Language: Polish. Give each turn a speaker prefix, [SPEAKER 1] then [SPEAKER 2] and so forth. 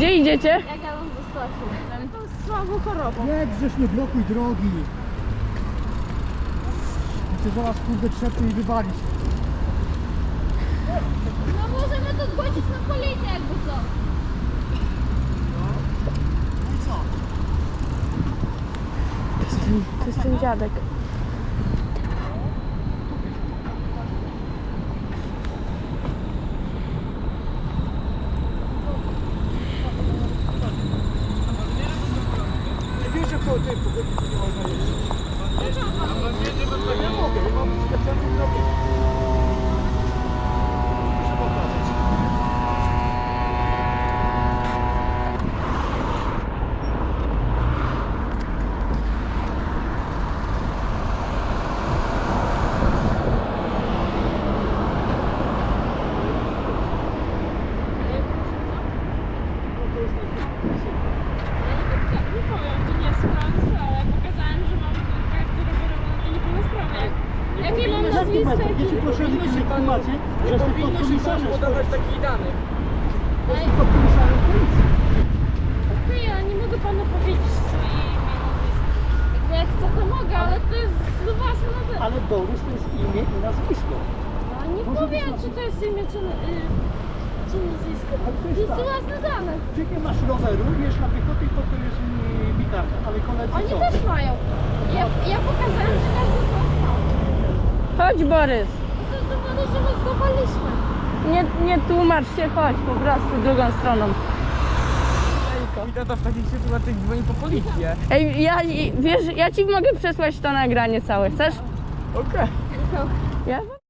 [SPEAKER 1] Gdzie idziecie?
[SPEAKER 2] Jak ja mam wyskoczyć? To jest słabą chorobą.
[SPEAKER 3] Nie, przecież nie blokuj drogi. Chcę zaraz kurde trzepnie i wywalić.
[SPEAKER 2] No możemy to zgłosić na policję jakby co.
[SPEAKER 3] No i co?
[SPEAKER 1] To jest ten dziadek.
[SPEAKER 3] Nie wiesz, że po tej pogodzie to nie można jeździć. Nie mogę, ja mam specjalną drogę. Muszę pokazać.
[SPEAKER 4] Nie powiem, to nie jest Francja, ale pokazałem, że mam kartę rowerową na niepełnosprawnie. Jakie mam nazwisko?
[SPEAKER 3] Jeśli proszę o informację, że jestem podkomisarzem
[SPEAKER 5] podawać takich danych.
[SPEAKER 3] Jestem podkomisarzem policji.
[SPEAKER 4] Okej, ale nie mogę panu powiedzieć swoje imię, nazwisko. Jakby jak chcę, to mogę, ale to jest własne nazwisko.
[SPEAKER 3] Ale Borys to jest imię i nazwisko.
[SPEAKER 4] Ale nie
[SPEAKER 3] Może
[SPEAKER 4] powiem,
[SPEAKER 3] być
[SPEAKER 4] czy to jest imię, czy nazwisko.
[SPEAKER 3] Ale to
[SPEAKER 4] To
[SPEAKER 3] jest
[SPEAKER 4] jest
[SPEAKER 3] tak.
[SPEAKER 4] własne dane.
[SPEAKER 3] Ty nie masz roweru, wiesz na piechotę i potem jest mi karta, ale koledzy
[SPEAKER 4] Oni
[SPEAKER 3] co?
[SPEAKER 4] też mają. Ja pokazałem, że każdy z was ma.
[SPEAKER 1] Chodź, Borys.
[SPEAKER 4] To są dowody, że my zdawaliśmy.
[SPEAKER 1] Nie tłumacz się, chodź po prostu drugą stroną.
[SPEAKER 5] I tata w takich sytuacjach dzwoni po policję.
[SPEAKER 1] Ej, wiesz, ja ci mogę przesłać to nagranie całe. Chcesz?
[SPEAKER 5] Okej.
[SPEAKER 1] Ja?